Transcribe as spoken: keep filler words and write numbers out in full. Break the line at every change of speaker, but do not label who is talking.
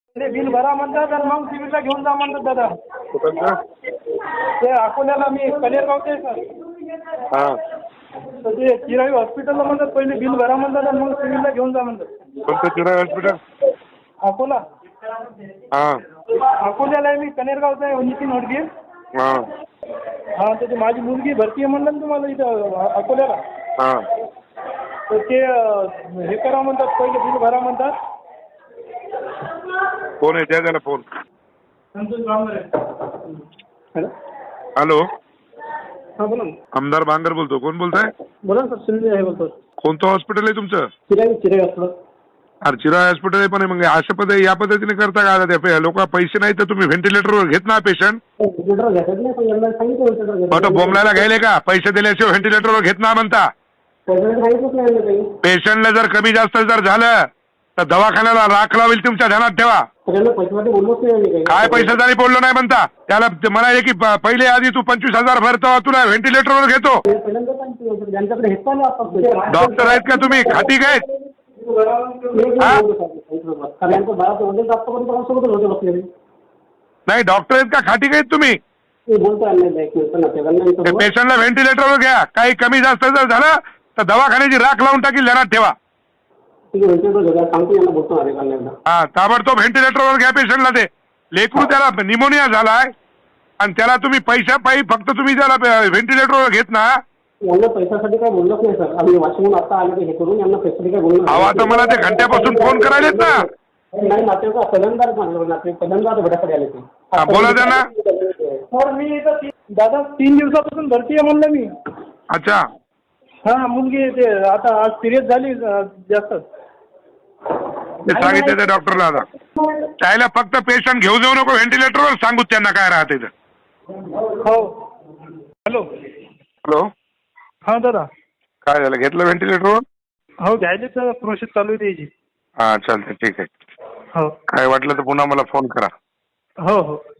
ते बिल भरा म्हणतात आणि मग सिव्हिलला घेऊन जा म्हणतात दादा.
कुठं?
ते अकोल्याला मी कनेरगावचे आहे सर.
हां.
तर ते चिराई हॉस्पिटलला म्हणतात पहिले बिल भरा म्हणतात आणि मग सिव्हिलला घेऊन जा म्हणतात.
कोणतं चिराई हॉस्पिटल?
अकोला.
हां.
अकोल्याला आहे मी, कनेरगावचा आहे नितीन होडगे.
हां.
हां तर ते माझी मुलगी भरती आहे म्हणलं ना तुम्हाला इथं अकोल्याला.
हां.
तर ते हे करा म्हणतात, पहिले बिल भरा म्हणतात.
कोण आहे? द्या त्याला phone.
Santosh Bangar. Hello.
Hello.
हां बोला ना.
आमदार बांगर बोलतो. कोण बोलताय?
बोला ना सर, सुनील आहे बोलतो.
कोणतं हॉस्पिटल आहे तुमचं?
चिराई चिराई हॉस्पिटल.
अरे चिराई हॉस्पिटल आहे पण मग अशा पद्धती या पद्धतीने करता का? त्या लोक पैसे नाही तर तुम्ही व्हेंटिलेटरवर घेत ना पेशंट. बट बोंबलायला घ्यायले का? पैसे दिल्याशिवाय व्हेंटिलेटरवर घेत ना म्हणता. पेशंटला जर कमी जास्त जर झालं तर दवाखान्याला राख लावेल, तुमच्या ध्यानात ठेवा. काय पैशासाठी बोललो नाही म्हणता? त्याला म्हणाले की पहिले आधी तू पंचवीस हजार भरतो, तुला व्हेंटिलेटरवर घेतो. डॉक्टर आहेत का तुम्ही? खाती काय? नाही डॉक्टर आहेत का? खाटी काय तुम्ही? पेशंटला व्हेंटिलेटरवर घ्या. काही कमी जास्त जर झालं तर दवाखान्याची राख लावून टाकील, ध्यानात ठेवा. हा ताबडतोब व्हेंटिलेटरवर घ्या पेशंटला. ते लेकरू त्याला निमोनिया झालाय आणि त्याला तुम्ही पैशा पायी फक्त तुम्ही त्याला व्हेंटिलेटरवर घेत ना.
पैशासाठी काय बोललोच नाही सर. आम्ही वाशिमहून आता आले हे करून यांना पैशासाठी काय बोललो
अहो आता मला ते घंट्यापासून फोन करायलेत ना.
नाही नातेवाईक पहिल्यांदाच म्हणलं नातेवाईक पहिल्यांदाच भेटासाठी आले ते.
बोला त्यांना.
सर मी इथं दादा तीन दिवसापासून भरती आहे म्हणलं मी.
अच्छा.
हां मुलगी ते आता आज सिरियस झाली जास्त.
ते सांगितलं त्या डॉक्टरला. आता त्याला फक्त पेशंट घेऊ जाऊ नको व्हेंटिलेटरवर, सांगू त्यांना काय राहते.
हो. हॅलो.
हॅलो.
हां दादा.
काय झालं? घेतलं व्हेंटिलेटरवर?
हो घ्यायचे तर प्रोसेस चालू आहे त्याची.
हां चालतं ठीक आहे.
हो.
काय वाटलं तर पुन्हा मला फोन करा.
हो हो.